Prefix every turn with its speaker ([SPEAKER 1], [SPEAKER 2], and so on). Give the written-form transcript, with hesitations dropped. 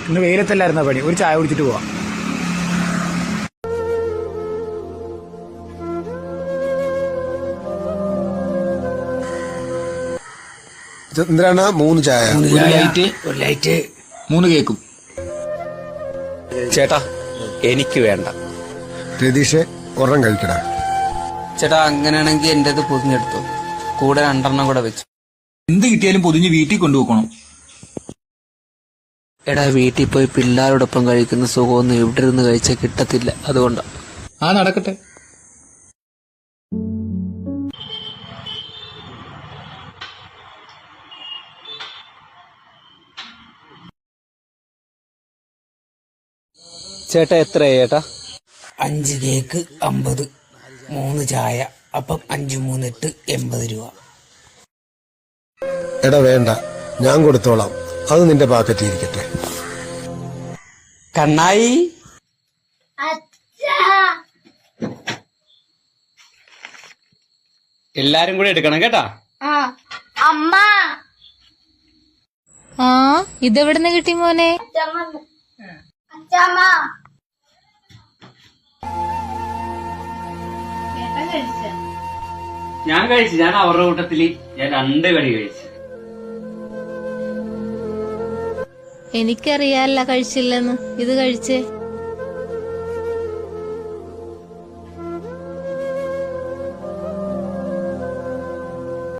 [SPEAKER 1] ഇന്ന് വെയിലത്തല്ലായിരുന്ന പണി. ഒരു ചായ കുടിച്ചിട്ട് പോവാം.
[SPEAKER 2] എന്തിനാണ് 3 ചായ?
[SPEAKER 1] ഒരു ലൈറ്റ് 3 കേക്കും.
[SPEAKER 3] ചേട്ടാ എനിക്ക് വേണ്ട.
[SPEAKER 2] രതീഷ് ഒരെണ്ണം കഴിക്കടാ.
[SPEAKER 4] ചേട്ടാ അങ്ങനെയാണെങ്കിൽ എന്റേത് പൊതിഞ്ഞെടുത്തു, കൂടെ 2 കൂടെ വെച്ചു.
[SPEAKER 1] എന്ത് കിട്ടിയാലും പൊതിഞ്ഞ് വീട്ടിൽ കൊണ്ടുപോകണം.
[SPEAKER 4] എടാ വീട്ടിൽ പോയി പിള്ളേരോടൊപ്പം കഴിക്കുന്ന സുഖമൊന്നും ഇവിടെ ഇരുന്ന് കഴിച്ചാൽ കിട്ടത്തില്ല, അതുകൊണ്ടാ.
[SPEAKER 1] നടക്കട്ടെ.
[SPEAKER 4] ചേട്ടാ എത്രയാ ചേട്ടാ?
[SPEAKER 5] 5 കേക്ക് 50, 3 ചായ, അപ്പം 5 3 8 80 രൂപ.
[SPEAKER 2] എടാ വേണ്ട, ഞാൻ കൊടുത്തോളാം. അത് നിന്റെ പാക്കറ്റിൽ ഇരിക്കട്ടെ.
[SPEAKER 4] കണ്ണായി എല്ലാരും കൂടെ എടുക്കണം കേട്ടാ.
[SPEAKER 6] അമ്മ ഇതെവിടുന്ന് കിട്ടി മോനെ?
[SPEAKER 4] ഞാൻ കഴിച്ചു. ഞാൻ അവരുടെ കൂട്ടത്തില് ഞാൻ 2 കടി കഴിച്ചു.
[SPEAKER 6] എനിക്കറിയാല്ല കഴിച്ചില്ലെന്ന്. ഇത് കഴിച്ചേ.